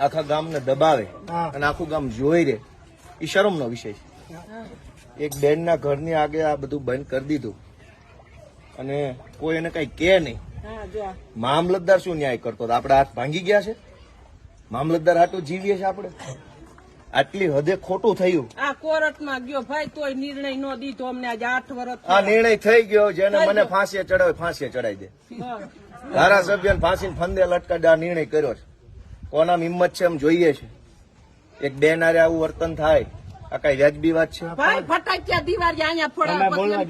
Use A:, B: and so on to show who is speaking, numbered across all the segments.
A: આખા ગામને દબાવે અને આખું ગામ જોઈ રે, એ શરમનો વિષય છે. એક બેનના ઘરની આગે આ બધું બંધ કરી દીધું અને કોઈ એને કઈ કે નહીં. મામલતદાર શું ન્યાય કરતો? આપડે હાથ ભાંગી ગયા છે? મામલતદાર હાટું જીવીએ છે આપણે? આટલી હદે ખોટું થયું.
B: આ કોર્ટમાં ગયો ભાઈ, તોય નિર્ણય નો દીધો અમને. આજે 8 વર્ષ
A: આ નિર્ણય થઈ ગયો. જેને મને ફાંસીએ ચડાવે ફાંસીએ ચડાવી દે. ધારાસભ્ય ફાંસીને ફંદે લટકાડે આ નિર્ણય કર્યો છે. કોના હિંમત છે એમ જોઈએ છે. એક બેન હારે આવું વર્તન થાય, આ કઈ વ્યાજબી વાત છે?
B: ભાઈ ફટાક્યા દિવાળી અહીંયા ફોડાવે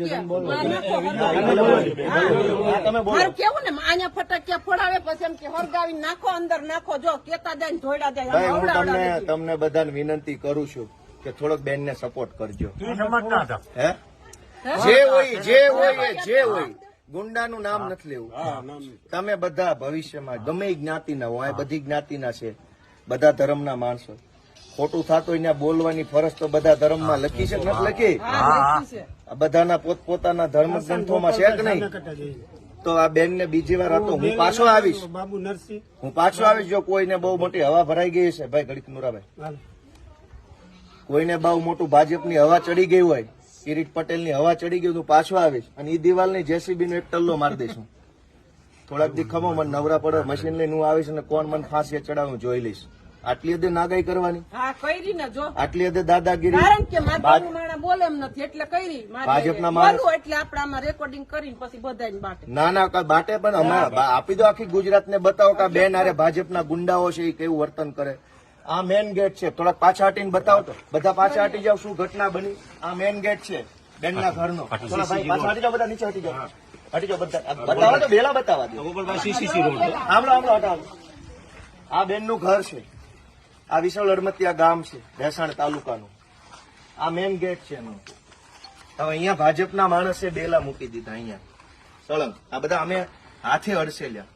B: કેવું ને, અહીંયા ફટાક્યા ફોડાવે પછી એમ કે હરગાવી નાખો, અંદર નાખો. જો કેતા જાય ધોયડા જાય.
A: ભાઈ હું તમને બધાને વિનંતી કરું છું કે થોડોક બેનને સપોર્ટ કરજો. હે જે હોય ગુંડાનું નામ નથી લેવું. તમે બધા ભવિષ્યમાં ગમે જ્ઞાતિના હોય, બધી જ્ઞાતિના છે, બધા ધર્મના માણસો. ખોટું થતું હોય ત્યાં બોલવાની ફરજ તો બધા ધર્મમાં લખી છે, નથી લખી? બધાના પોતપોતાના ધર્મ ગ્રંથોમાં છે કે નહીં? તો આ બેનને બીજી વાર હતો હું પાછો આવીશ. જો કોઈને બહુ મોટી હવા ભરાઈ ગઈ છે, ભાઈ ઘડીક નુરાભાઈ, કોઈને બહુ મોટું ભાજપની હવા ચડી ગઈ હોય, કિરીટ પટેલની હવા ચડી ગઈ, હું પાછો આવીશ અને એ દિવાલની જેસીબી નો એક ટલ્લો મારી દઈશું. થોડાક દી ખમો મને નવરા પડે, મશીન લઈને હું આવીશ અને કોણ મને ફાંસી ચડાવું જોઈ લઈશ. આટલી હદે નાગાઈ કરવાની, આટલી હદે દાદાગીરી.
B: બોલે એમ નથી એટલે કરી
A: ભાજપના માણસ
B: એટલે આપણે આમાં રેકોર્ડિંગ કરીને પછી બધાને બાટે.
A: ના બાટે પણ અમે આપી દો આખી ગુજરાતને બતાવો કે બેન આરે ભાજપના ગુંડાઓ છે એ કેવું વર્તન કરે. આ મેન ગેટ છે, થોડાક પાછા હટીને બતાવો તો. બધા પાછા હટી જાવ, શું ઘટના બની. આ મેન ગેટ છે બેનના ઘરનો. થોડા ભાઈ પાછા હટી જાવ, બધા નીચે હટી જાવ, હટી જાવ બધા. બતાવો તો વેલા બતાવવા દો. હટાવો. આ બેનનું ઘર છે. આ વિશાળ અડમતિયા ગામ છે, ભેસાણ તાલુકાનું. આ મેન ગેટ છે એનું. હવે અહીંયા ભાજપના માણસે બેલા મૂકી દીધા અહીંયા સળંગ. આ બધા અમે હાથે અડસેલ્યા.